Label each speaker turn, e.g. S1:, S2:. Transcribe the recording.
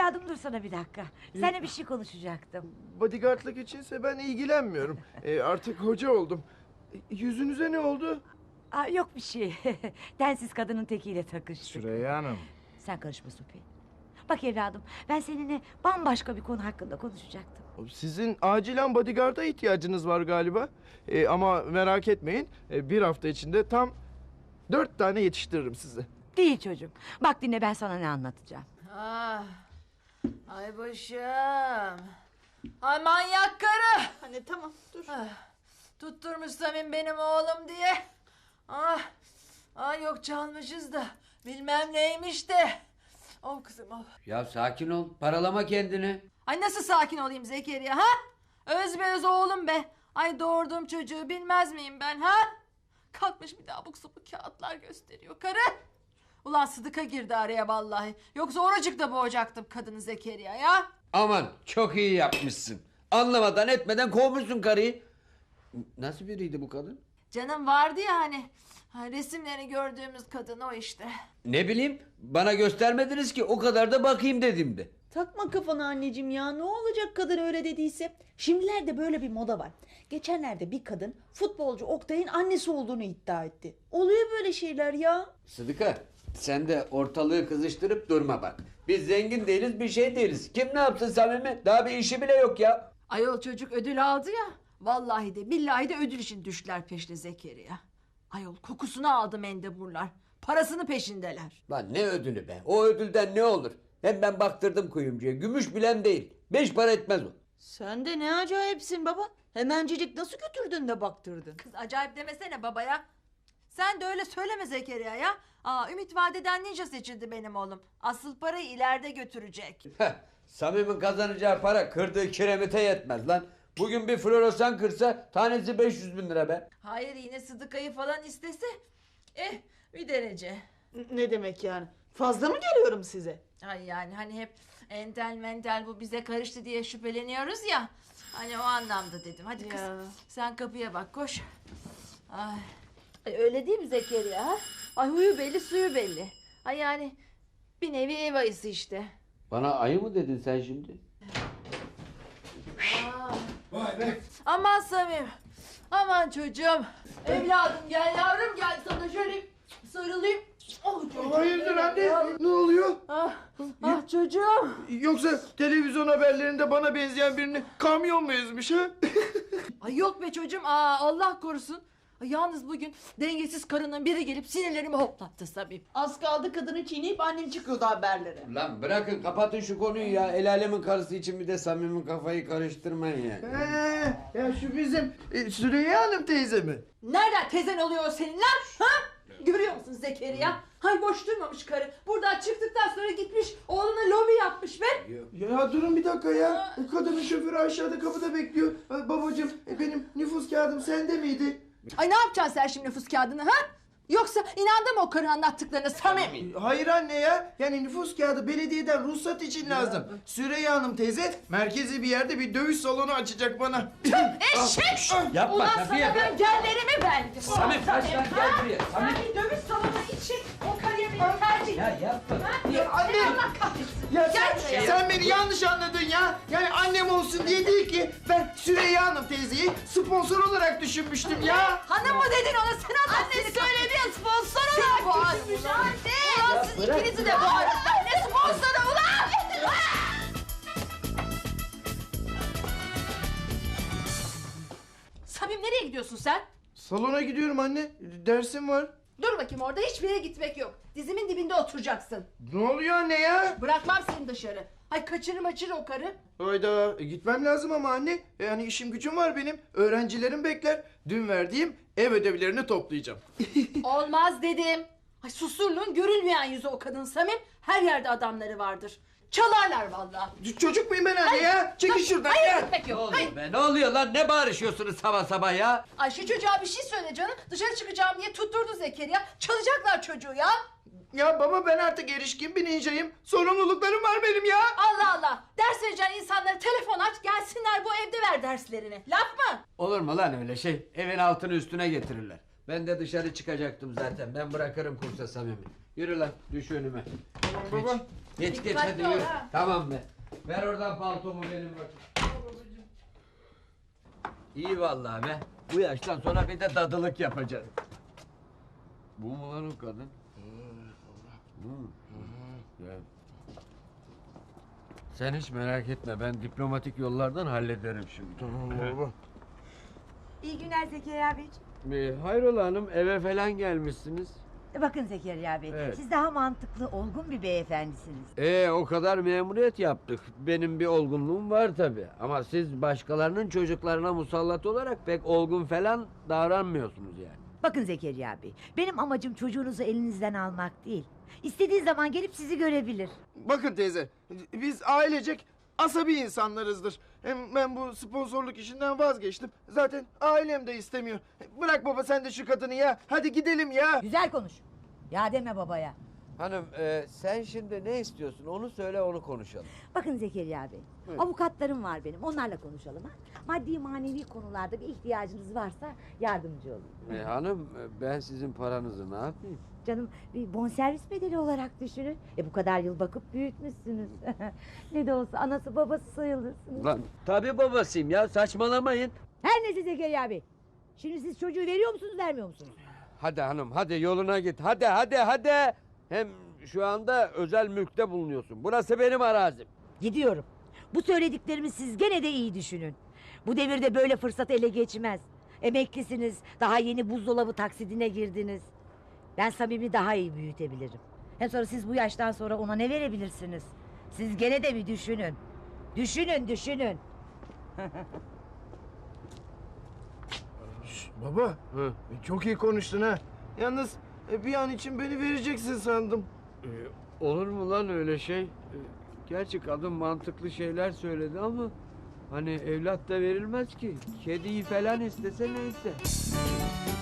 S1: Evladım dursana bir dakika. Seninle bir şey konuşacaktım.
S2: Bodyguardlık içinse ben ilgilenmiyorum. Artık hoca oldum. Yüzünüze ne oldu?
S1: Aa, yok bir şey. Densiz kadının tekiyle takıştık.
S2: Süreyya Hanım.
S1: Sen karışma Supi. Bak evladım, ben seninle bambaşka bir konu hakkında konuşacaktım.
S2: Sizin acilen bodyguarda ihtiyacınız var galiba. Ama merak etmeyin. Bir hafta içinde tam 4 tane yetiştiririm size.
S1: Değil çocuğum. Bak dinle, ben sana ne anlatacağım.
S3: Ah, ay başım. Ay manyak karı.
S4: Anne tamam dur.
S3: Ah, tutturmuş Samim benim oğlum diye. Ah, yok çalmışız da bilmem neymiş de. Oh kızım oh.
S5: Ya sakin ol. Paralama kendini.
S3: Ay nasıl sakin olayım Zekeriya ha? Öz be öz oğlum be. Ay doğurduğum çocuğu bilmez miyim ben ha? Kalkmış bir daha abuk sabuk kağıtlar gösteriyor karı. Ulan Sıdık'a girdi araya vallahi. Yoksa oracıkta boğacaktım kadını Zekeriya ya.
S5: Aman çok iyi yapmışsın. Anlamadan etmeden kovmuşsun karıyı. Nasıl biriydi bu kadın?
S3: Canım vardı ya hani. Resimlerini gördüğümüz kadın o işte.
S5: Ne bileyim, bana göstermediniz ki, o kadar da bakayım dedim de.
S4: Takma kafana anneciğim ya, ne olacak kadın öyle dediyse. Şimdilerde böyle bir moda var. Geçenlerde bir kadın futbolcu Oktay'ın annesi olduğunu iddia etti. Oluyor böyle şeyler ya.
S5: Sıdıka, sen de ortalığı kızıştırıp durma bak. Biz zengin değiliz, bir şey değiliz. Kim ne yapsın Samimi? Daha bir işi bile yok ya.
S3: Ayol çocuk ödül aldı ya. Vallahi de billahi de ödül için düştüler peşine Zekeriya. Ayol kokusunu aldı mendeburlar. Parasını peşindeler.
S5: Lan ne ödülü be? O ödülden ne olur? Hem ben baktırdım kuyumcuya. Gümüş bilen değil. 5 para etmez o.
S4: Sen de ne acayipsin baba. Hemencecik nasıl götürdün de baktırdın.
S3: Kız acayip demesene babaya. Sen de öyle söyleme Zekeriya ya. Ümit Vadeden ninja seçildi benim oğlum. Asıl parayı ileride götürecek.
S5: Heh, Samim'in kazanacağı para kırdığı kiremite yetmez lan. Bugün bir floresan kırsa tanesi 500 bin lira be.
S3: Hayır yine Sıdıka'yı falan istese. Bir derece.
S4: Ne demek yani? Fazla mı geliyorum size?
S3: Ay yani hani hep entel mentel bu bize karıştı diye şüpheleniyoruz ya. Hani o anlamda dedim. Hadi kız
S4: Ya.
S3: sen kapıya bak koş. Ay, öyle değil mi Zekeriya? Ha? Ay huyu belli suyu belli. Ay yani bir nevi ev ayısı işte.
S5: Bana ayı mı dedin sen şimdi?
S2: Vay be.
S3: Aman Samim. Aman çocuğum. Evladım gel yavrum gel sana şöyle sarılayım. Oh çocuğum.
S2: Hayırdır anne? Ne oluyor?
S3: Çocuğum.
S2: Yoksa televizyon haberlerinde bana benzeyen birini kamyon mu ezmiş ha?
S3: Ay yok be çocuğum. Allah korusun. Ay, yalnız bugün dengesiz karının biri gelip sinirlerimi hoplattı Samim.
S4: Az kaldı kadını çiğneyip annem çıkıyordu haberlere.
S5: Lan bırakın, kapatın şu konuyu ya. El alemin karısı için bir de Samim'in kafayı karıştırmayın yani.
S2: Ya şu bizim Süreyya Hanım teyze mi?
S3: Nereden tezen oluyor o senin lan? Ha? Görüyor musun Zekeriya? Hay boş durmamış karı. Buradan çıktıktan sonra gitmiş oğluna lobi yapmış be.
S2: Ya durun bir dakika ya. Kadının şoförü aşağıda kapıda bekliyor. Babacığım benim nüfus kağıdım sende miydi?
S3: Ay ne yapacaksın sen şimdi nüfus kağıdını ha? Yoksa inandı mı o karı anlattıklarına Samim?
S2: Hayır anne ya. Yani nüfus kağıdı belediyeden ruhsat için lazım. Süreyya Hanım teyze merkezi bir yerde bir dövüş salonu açacak bana.
S3: Eşek!
S5: Yapma
S3: Ulan
S5: Safiye
S3: sana
S5: be.
S3: ben yerlerimi verdim.
S5: Samim kaç lan, gel buraya.
S3: Sen
S5: Samim.
S3: bir dövüş salonu için o karıya beni tercih
S5: Ya yapma.
S2: Anne!
S3: Seni Allah kahretsin.
S2: Ya
S3: Gel
S2: sen,
S3: buraya.
S2: sen beni yanlış anladın ya. Yani annem olsun diye değil ki. Ben Süreyya Hanım teyzeyi sponsor olarak düşünmüştüm ya.
S3: Hanım mı dedin ona sen Allah seni söyledi ya sponsor olarak boğazmış anne. Ulan siz
S5: bırak.
S3: ikinizi de boğarım. Ne sponsoru ulan? Samim nereye gidiyorsun sen?
S2: Salona gidiyorum anne. Dersim var.
S3: Dur bakayım orada hiçbir yere gitmek yok. Dizimin dibinde oturacaksın.
S2: Ne oluyor anne ya?
S3: Bırakmam seni dışarı. Hay kaçırır maçır o karı.
S2: Hayda gitmem lazım ama anne. Yani işim gücüm var benim. Öğrencilerim bekler. Dün verdiğim ev ödevlerini toplayacağım.
S3: Olmaz dedim. Ay susurluğun görülmeyen yüzü o kadın Samim. Her yerde adamları vardır. Çalarlar vallahi.
S2: Çocuk muyum ben anne ya? Çekil şuradan
S3: Hayır
S2: ya.
S3: gitmek
S5: Ne
S3: yok.
S5: oluyor
S3: Hayır.
S5: be? Ne oluyor lan? Ne bağırışıyorsunuz sabah sabah ya?
S3: Ay şu çocuğa bir şey söyle canım. Dışarı çıkacağım diye tutturdu Zekeriya. Çalacaklar çocuğu ya.
S2: Ya baba ben artık erişkin bir ninjayım. Sorumluluklarım var benim ya.
S3: Allah Allah. Ders vereceğin insanlara telefon aç. Gelsinler bu evde ver derslerini. Laf mı?
S5: Olur mu lan öyle şey? Evin altını üstüne getirirler. Ben de dışarı çıkacaktım zaten. Ben bırakırım kursa Samimi. Yürü lan, düş önüme.
S2: Tamam baba.
S5: Geç
S3: Dikkatli
S5: hadi
S3: ol
S5: yürü.
S3: ha.
S5: Tamam be. Ver oradan paltomu benim bakayım. İyi vallahi be. Bu yaştan sonra bir de dadılık yapacağız. Bu mu lan o kadın? Ya. Sen hiç merak etme, ben diplomatik yollardan hallederim şimdi.
S2: Tamam baba.
S1: İyi günler Zekeriya Beyciğim.
S5: Hayrola hanım, eve falan gelmişsiniz.
S1: Bakın Zekeriya Bey,
S5: Evet.
S1: siz daha mantıklı, olgun bir beyefendisiniz.
S5: O kadar memuriyet yaptık. Benim bir olgunluğum var tabii. Ama siz başkalarının çocuklarına musallat olarak pek olgun falan davranmıyorsunuz yani.
S1: Bakın Zekeriya Bey, benim amacım çocuğunuzu elinizden almak değil. İstediği zaman gelip sizi görebilir.
S2: Bakın teyze, biz ailecek asabi insanlarızdır. Hem ben bu sponsorluk işinden vazgeçtim. Zaten ailem de istemiyor. Bırak baba sen de şu kadını ya. Hadi gidelim ya.
S1: Güzel konuş. Ya deme babaya.
S5: Hanım sen şimdi ne istiyorsun onu söyle onu konuşalım.
S1: Bakın Zekeriya Bey,
S5: Buyurun.
S1: avukatlarım var benim, onlarla konuşalım ha. Maddi manevi konularda bir ihtiyacınız varsa yardımcı olun.
S5: Hanım ben sizin paranızı ne yapayım?
S1: Canım bir bonservis bedeli olarak düşünün. Bu kadar yıl bakıp büyütmüşsünüz. Ne de olsa anası babası sayılırsınız.
S5: Lan tabii babasıyım ya saçmalamayın.
S1: Her neyse Zekeriya Bey. Şimdi siz çocuğu veriyor musunuz vermiyor musunuz?
S5: Hadi hanım hadi yoluna git hadi. Hem şu anda özel mülkte bulunuyorsun. Burası benim arazim.
S1: Gidiyorum. Bu söylediklerimi siz gene de iyi düşünün. Bu devirde böyle fırsat ele geçmez. Emeklisiniz. Daha yeni buzdolabı taksidine girdiniz. Ben Samim'i daha iyi büyütebilirim. Hem sonra siz bu yaştan sonra ona ne verebilirsiniz? Siz gene de bir düşünün. Düşünün.
S2: Baba,
S5: Hı.
S2: çok iyi konuştun ha. Yalnız bir an için beni vereceksin sandım.
S5: Olur mu lan öyle şey? Gerçi kadın mantıklı şeyler söyledi ama hani evlat da verilmez ki. Kediyi falan istese neyse.